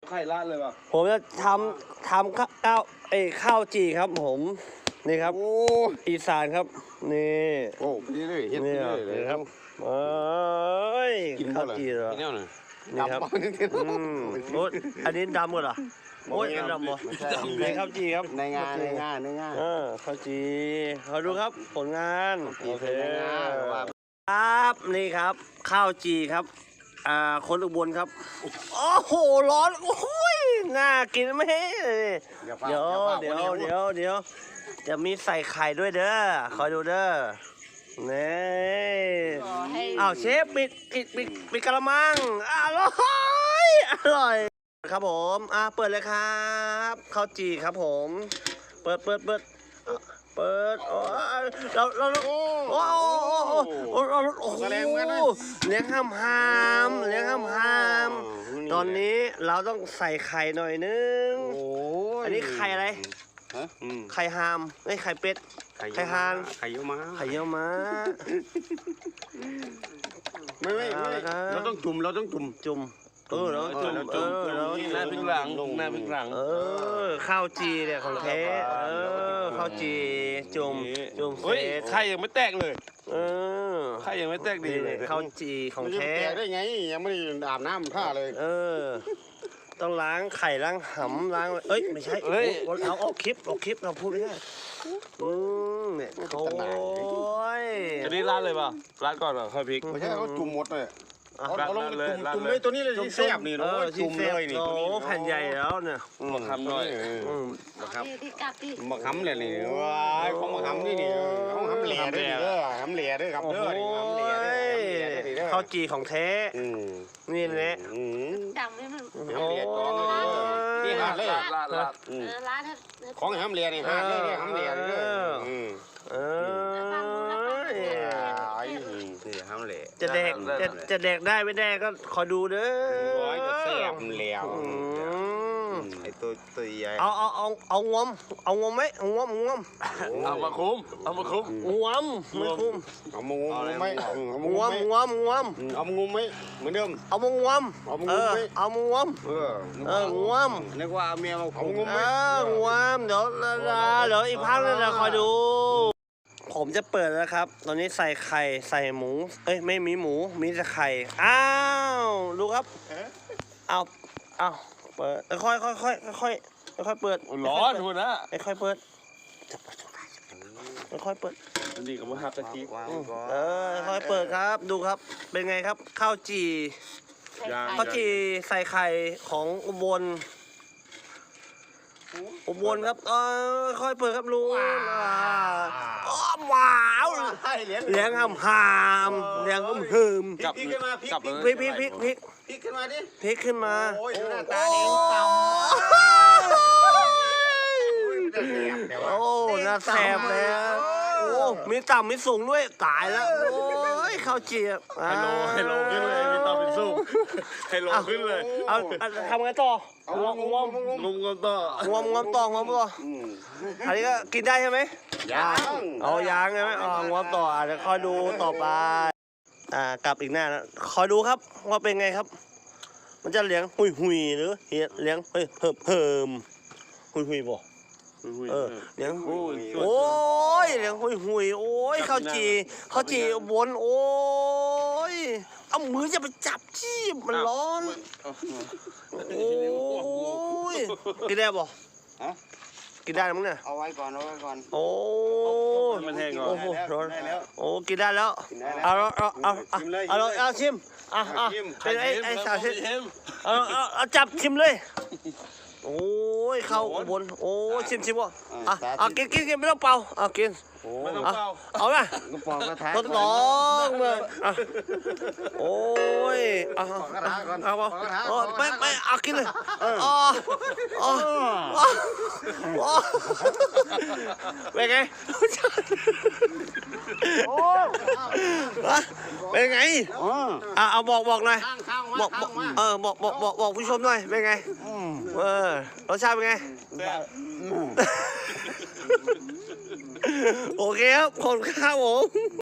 ไข่ราดเลยป่ะผมจะทำข้าวจีครับผมนี่ครับอีสานครับนี่โอ้พี่เลยเฮ็ดนี่เลยครับข้าวจีเหรอนี่ครับโอ้อันนี้ดำหมดเหรอโอ้ยดำหมดในข้าวจีครับในงานข้าวจีเขาดูครับผลงานโอเคครับนี่ครับข้าวจีครับคนอุบลครับโอ้โหร้อนโอ้ยน่ากินไหมเดี๋ยวจะมีใส่ไข่ด้วยเด้อคอยดูเด้อนี่อ้าวเชฟปิดกระมังอร่อยครับผมเปิดเลยครับข้าวจีครับผมเปิดโอ้เราโอ้โหเลี้ยงห้ามตอนนี้เราต้องใส่ไข่หน่อยนึงอันนี้ไข่อะไรไข่ฮามไข่เป็ดไข่ฮานไข่เยอะมาไม่เราต้องจุ่มเราต้องจุ่มเราจุ่มหน้าพริกหลังข้าวจีเนี่ยของแท้ข้าวจีจุ่มเฮ้ยไข่ยังไม่แตกเลยไข่ยังไม่แตกดีเลยข้าวจีของแท้ได้ไงยังไม่ได้อาบน้ำท่าเลยต้องล้างไข่ล้างหำล้างไม่ใช่เอาออกคลิปเราพูดไม่ได้เนี่ยโอ้ยจะได้ราดเลยป่ะราดก่อนเหรอค่อยพริกไม่ใช่เขาจุ่มหมดเลยเอาลงเลยจุ่มเลยตัวนี้เลยที่แซ่บนี่จุ่มเลยนี่โอ้แผ่นใหญ่แล้วเนี่ยมาคำหน่อยมาคำเลยนี่ว้ายของมาคำนี่ของคำเหลี่ยด้วยคำเหลี่ยด้วยครับเด้อคำเหลี่ยด้วยข้าวจีของแท้นี่แหละดังเลยมันนี่หาเลยของคำเหลี่ยนี่หาเลยคำเหลี่ยด้วยจะแดกได้ไม่ได้ก็ขอดูเด้อจะแซ่บแล้วไอ้ตัวใหญ่เอางวมไหมงวมเอามาคุ้มงวมไม่คุ้มเอามางมไหมงวมเอามางมไหมเหมือนเดิมเอามางวมเอามางวมงวมนึกว่าเมียเอางมไหมงวมเดี๋ยวอีกพักนึงเราคอยดูผมจะเปิดแล้วครับตอนนี้ใส่ไข่ใส่หมูไม่มีหมูมีแต่ไข่ดูครับเอาเปิดค่อยเปิดร้อนคุณนะค่อยเปิดค่อยเปิดนี่ก็มาหักตะกี้ค่อยเปิดครับดูครับเป็นไงครับข้าวจีใส่ไข่ของอุบลครับค่อยเปิดครับลุงว้าวเลี้ยงหามเลี้ยงเหิมพริกขึ้นมาพริกขึ้นมาดิพริกขึ้นมาโอ้ยหน้าตาเองต่ำโอ้น่าแซ่บแล้วโอ้มีต่ำมีสูงด้วยตายแล้วโอ้ยข้าวจีบให้โลขึ้นเลยมีต่ำมีสูงให้โลขึ้นเลยเอาทำไงต่องวมต่ออันนี้ก็กินได้ใช่ไหมยังใช่ไหมงวมต่ออาจจะคอยดูต่อไปกลับอีกหน้านะคอยดูครับว่าเป็นไงครับมันจะเลี้ยงหุยหรือเลี้ยงเพิ่มหุยบ่เลี้ยงโอ้ยเลี้ยงหุยโอ้ยข้าวจีบนโอ้ยเอามือจะไปจับจี้มันร้อนโอ้ยกินได้บ่กินได้มั้งเนี่ยเอาไว้ก่อนโอ้มันแห้งก่อนโอ้โหร้อนโอ้กินได้แล้วเอาชิมเป็นไอ้สาวชิมเอาจับชิมเลยโอ้ยเข้าบนโอ้ยชิมวะกินไม่ต้องเป่ากินไม่ต้องเป่าเอาไหมต้องเลยโอ้ยไม่กินเลยเป็นไงเป็นไงเอาบอกหน่อยบอกผู้ชมหน่อยเป็นไงรสชาติเป็นไงโอเคครับขอบคุณครับผม